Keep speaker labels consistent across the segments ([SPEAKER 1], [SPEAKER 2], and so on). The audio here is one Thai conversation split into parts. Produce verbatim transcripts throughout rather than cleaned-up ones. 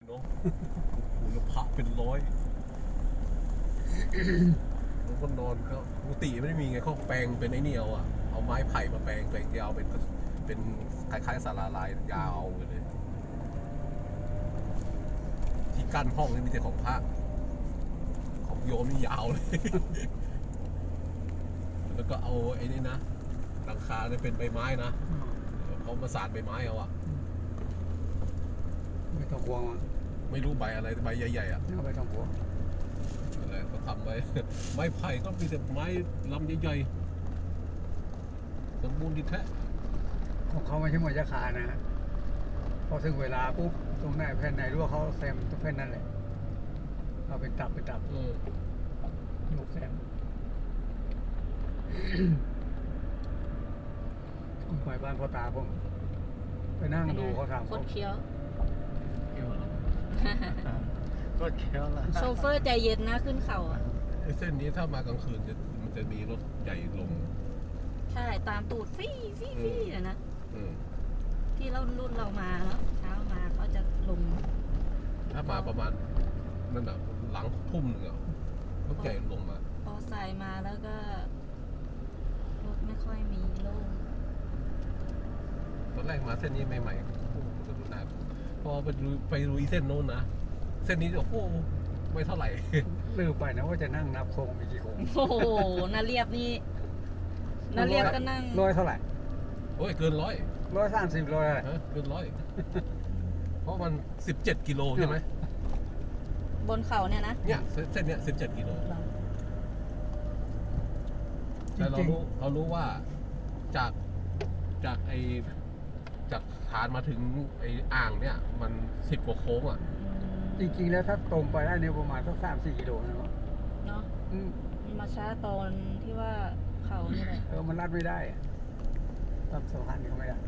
[SPEAKER 1] เนาะโอ้โหแล้วพระเป็นร้อยแล้วก็นอนก็กุฏิไม่ได้มีไงเขาแปลงเป็นไอ้นี่เอาอะเอาไม้ไผ่มาแปลงแปลงยาวเป็นเป็นคล้ายๆศาลาลายยาวเลยที่กั้นห้องนี่มีแต่ของพระของโยมนี่ยาวเลย แล้วก็เอาไอ้นี่นะหลังคาเนี่ยเป็นใบไม้นะเขามาสานใบไม้เอาอะ
[SPEAKER 2] ไม่ต้องห่วงมัน
[SPEAKER 1] ไม่รู้ใบอะไรใบใหญ่ๆอ่ะ
[SPEAKER 2] ไม่ต้องห่วง
[SPEAKER 1] อะไรก็ทำไว้ ไม้ไผ่ก็มีแต่ไม้ลำใหญ่ๆสมบูรณ์ดีแท้
[SPEAKER 2] ของเขาไม่ใช่หมวยจะขานะฮะพอถึงเวลาปุ๊บตรงไหนแผ่นไหนรู้ว่าเขาแซมตรงแผ่นนั้นแหละเอาเป็นตับเป็นตับ
[SPEAKER 1] เออ
[SPEAKER 2] ลูกแซมผมไปบ้านพ่อตาผมไปนั่งดูเขาทำ
[SPEAKER 3] โคตรเคี้ยว
[SPEAKER 2] ก็เคี้ยวละ
[SPEAKER 3] โชเฟอร์ใจเย็นนะขึ้นเขาอ่ะ
[SPEAKER 1] ไอ้เส้นนี้ถ้ามากลางคืนจะมันจะมีรถใหญ่ลง
[SPEAKER 3] ใช่ตามตูดฟี่ฟี่ฟี่อะนะ
[SPEAKER 1] อืม
[SPEAKER 3] ที่เรารุ่นเรามาเนาะเช้ามาเขาจะลง
[SPEAKER 1] ถ้ามาประมาณนั่นน่ะหลังทุ่มหนึ่งอ่ะรถใหญ่ลงมา
[SPEAKER 3] พอใส่มาแล้วก็รถไม่ค่อยมีโล่ง
[SPEAKER 1] ตอนแรกมาเส้นนี้ใหม่ๆโอ้โหจะดูหนักพอไปดูไปดูอีเส้นโน้นนะเส้นนี้โอ้โหไม่เท่าไหร่
[SPEAKER 2] ลืมไปนะว่าจะนั่งนับโค้งมีกี่โค้ง
[SPEAKER 3] โอ้โหนาเรียบนี่นาเรียบก็นั่ง
[SPEAKER 2] ร้อยเท่าไหร่
[SPEAKER 1] โอ้ยเกินร้อย
[SPEAKER 2] ร้อยสามสิบร้อยอะไร
[SPEAKER 1] ฮะเกินร้อย เพราะมันสิบเจ็ดกิโลใช่ไหม
[SPEAKER 3] บนเขาเนี่ยนะ
[SPEAKER 1] เนี่ยเส้นเส้นเนี้ยสิบเจ็ดกิโลแต่เรารู้เรารู้ว่าจากจากไอจากฐานมาถึงไออ่างเนี่ย มันสิบกว่าโค้งอ่ะ
[SPEAKER 2] จริงๆแล้วถ้าตรงไปได้เนี่ยประมาณสักสามสี่กิโลนะเนาะ
[SPEAKER 3] เนาะ
[SPEAKER 2] อืม
[SPEAKER 3] มาช้าตอนที่ว่าเขานี่แหละ
[SPEAKER 2] เออมันลัดไม่ได้อะรับสะพานนี่ก็ไม่ได้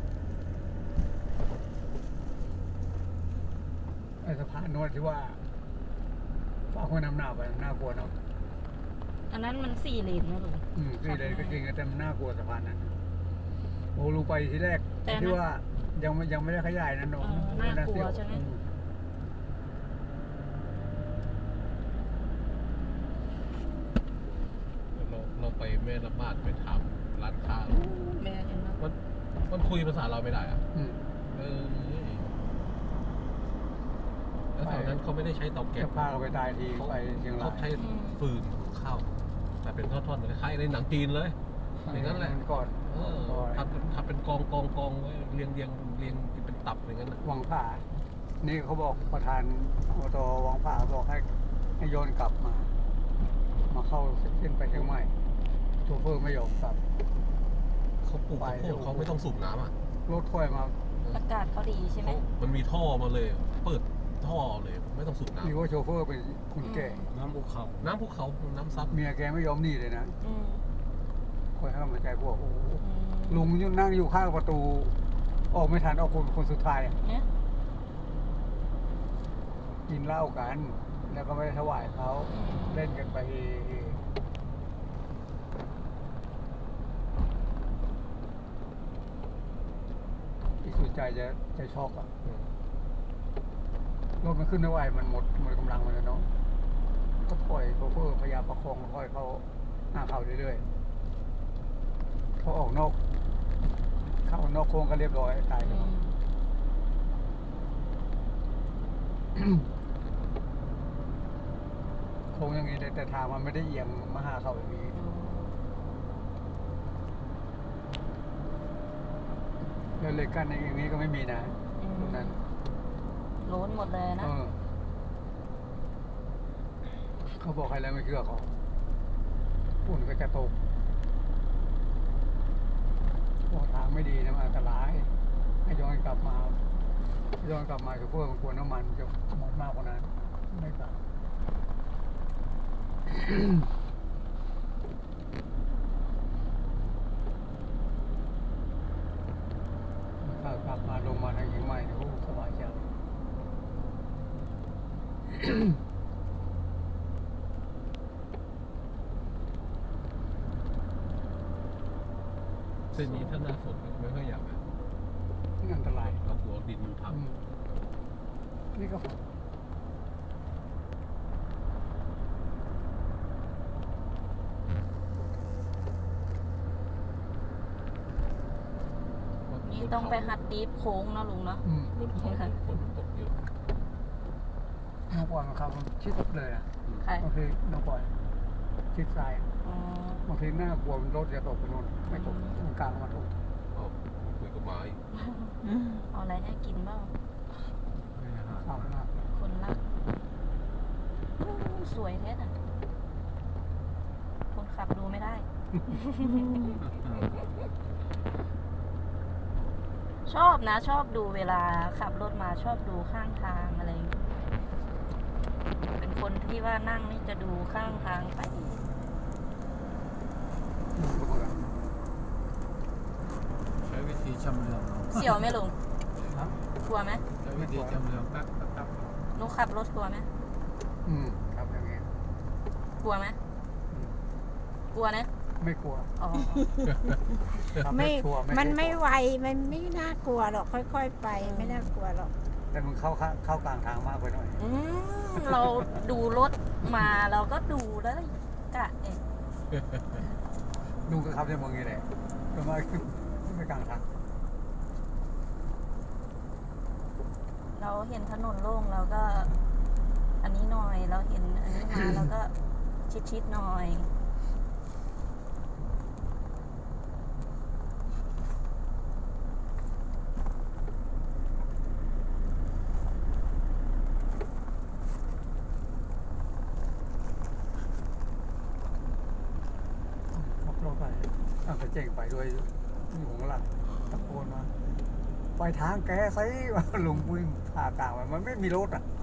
[SPEAKER 2] ไอ้สะพานโนวดที่ว่าฝากคนนำหน้าไปน่ากลัวเนาะ
[SPEAKER 3] อันนั้นมันสี่เลนนะลุง
[SPEAKER 2] อืมคือเลยก็จริงแต่มันน่ากลัวสะพานนั้นโอ้ลูกไปทีแรก
[SPEAKER 3] แต่นะ
[SPEAKER 2] ที่ว่ายังไม่ยังไม่ได้ขยายนะน้อง
[SPEAKER 3] เออน่ากลัวใช่ไหม
[SPEAKER 2] อื
[SPEAKER 1] เราเราไปแม่ละมาดไปถามร้านค้า
[SPEAKER 3] แม่เห็นไหม
[SPEAKER 1] มันมันคุยภาษาเราไม่ได้อ่ะ
[SPEAKER 2] อืม
[SPEAKER 1] เออแล้วแถวนั้นเขาไม่ได้ใช้เตาแก๊
[SPEAKER 2] จะ
[SPEAKER 1] ส
[SPEAKER 2] พาเขาไปตายทีไปเชียงรา
[SPEAKER 1] เขา
[SPEAKER 2] ย
[SPEAKER 1] ใช้ฟืนหุงข้าวแต่เป็นทอดๆเหมือนคล้ายๆในหนังจีนเลย อย่างนั้นแหละ
[SPEAKER 2] ก่อน
[SPEAKER 1] เออทำเป็นทำเป็นกองกองกองไว้เรียงเรียงเรียงเป็นตับอย่างนั้นน่ะ
[SPEAKER 2] วังผ่านี่เขาบอกประธานอบตวังผ่าบอกให้ให้โยนกลับมา มาเข้าเส้นไปเชียงใหม่โชเฟอร์ไม่ยอมกลับ
[SPEAKER 1] เขาปลูกข้าวโพดเขาไม่ต้องสูบน้ำอ่ะ
[SPEAKER 2] รถถ้วยมา
[SPEAKER 3] อากาศเขาดีใช่ไหม
[SPEAKER 1] เขามันมีท่อมาเลย เปิดท่อเลยไม่ต้องสูบน้
[SPEAKER 2] นี่ว่าโชเฟอร์เป็นคนแก่
[SPEAKER 1] ำน้ำภูเขา น้ำภูเขาน้ำซับ
[SPEAKER 2] เมียแกไม่ยอมหนีเลยนะ
[SPEAKER 3] อืม
[SPEAKER 2] คอยให้กำลังใจพวกโอ้โห
[SPEAKER 3] อืม
[SPEAKER 2] ลุงยุ่นั่งอยู่ข้างประตู ออกไม่ทันออกคนคนสุดท้ายอะ
[SPEAKER 3] เนี่ย
[SPEAKER 2] กินเหล้ากัน แล้วก็ไม่ได้ถวายเขาเล่นกันไปอีกสุดใจจะจะช็อกอ่ะรถมันขึ้นไม่ไหวมันหมดหมดกำลังมันแล้วเนาะก็ปล่อยโชเฟอร์พยายามประคองค่อยเขาหน้าเขาเรื่อยๆพอออกนอก เข้านอกโค้งก็เรียบร้อยตายเล
[SPEAKER 3] อื
[SPEAKER 2] ย
[SPEAKER 3] ม
[SPEAKER 2] โค้งอย่างนี้เลยแต่ทางมันไม่ได้เอียงมาหาเขาอย่างนี้แล้วเลยกันอย่างนี้ก็ไม่มีนะ
[SPEAKER 3] อืม
[SPEAKER 2] ตรงนั้น
[SPEAKER 3] โล้นหมดเลย
[SPEAKER 2] เอ
[SPEAKER 3] นะ
[SPEAKER 2] อเขาบอกใครแล้วไม่เชื่อเขาฝุ่นก็จะตกบอกทางไม่ดีนะมันอันตรายให้ย้อนกลับมาย้อนกลับมาคือพวกมันกลัวน้ำมันจะหมดมากกว่านั้นไม่กลับ ถ้ากลับมาลงมาทางเชียงใหม่เนี่ยโอ้สบายใจ
[SPEAKER 1] เส้นนี้ถ้าหน้าฝนไม่ค่อยอยากไป
[SPEAKER 2] อันตราย
[SPEAKER 1] เรากลัวดินมันทับ
[SPEAKER 2] อืมนี่ก็
[SPEAKER 3] นี่ต้องไปหัดดีฟโค้งเนาะลุงเนาะ
[SPEAKER 2] อืม
[SPEAKER 1] บนเขาฝนตกเยอะ
[SPEAKER 2] น้องปอยมันขับชิดเลยอ่ะ
[SPEAKER 3] ใคร
[SPEAKER 2] บางทีน้องปอยชิดซ้าย
[SPEAKER 3] อ๋อบ
[SPEAKER 2] างทีหน้ากลัวรถจะตกไปโน่นไม่ตกมันกลางมาตก
[SPEAKER 1] เอาคุยกับหมาอีก
[SPEAKER 3] เอาอะไรให้กินบ้าง
[SPEAKER 2] ข้าวหน้า
[SPEAKER 3] คนรักอู้สวยแท้น่ะคนขับดูไม่ได้ ชอบนะ ชอบดูเวลาขับรถมาชอบดูข้างทางอะไรอย่างเงี้ยเป็นคนที่ว่านั่งนี่จะดูข้างทางไป
[SPEAKER 2] อืมก็เหมือนกัน
[SPEAKER 4] ใช้วิธีชำเลืองเอา
[SPEAKER 3] เสี่ยวไหมลุง
[SPEAKER 2] นะ
[SPEAKER 3] กลัวไหม
[SPEAKER 4] ใช้วิธีชำเลืองแป๊บแป๊บแป๊บ
[SPEAKER 3] หนูขับรถกลัวไหม
[SPEAKER 2] อืมครับอย่างเงี้ย
[SPEAKER 3] กลัวไหม
[SPEAKER 2] อืม
[SPEAKER 3] กลัวนะ
[SPEAKER 2] ไม่กลัว
[SPEAKER 3] อ๋อ
[SPEAKER 2] ขับรถ
[SPEAKER 5] ไม่
[SPEAKER 2] ชัวร์
[SPEAKER 5] มัน
[SPEAKER 2] ก
[SPEAKER 5] ไม่
[SPEAKER 2] ลัว
[SPEAKER 5] ไว มันไม่น่ากลัวหรอก ค่อย ๆ ไป ไม่น่ากลัวหรอก
[SPEAKER 2] แต่มึงเข้าเข้าเข้ากลางทางมากไปหน่อย
[SPEAKER 3] อืมเราดูรถมาเราก็ดูแล้วกะเอง
[SPEAKER 2] ลุงก็ขับในเมืองนี่แหละทำไมไม่กลางทาง
[SPEAKER 3] เราเห็นถนนโล่งเราก็ อันนี้หน่อยเราเห็นอันนี้มาเราก็ชิดๆหน่อย
[SPEAKER 2] ขับรถไปอ่ะไปเจ๊งไปด้วยอยู่ข้างหลังตะโกนมาไปทางแกซิว่าลุงวิ่งผ่ากลางไปมันไม่มีรถอ่ะ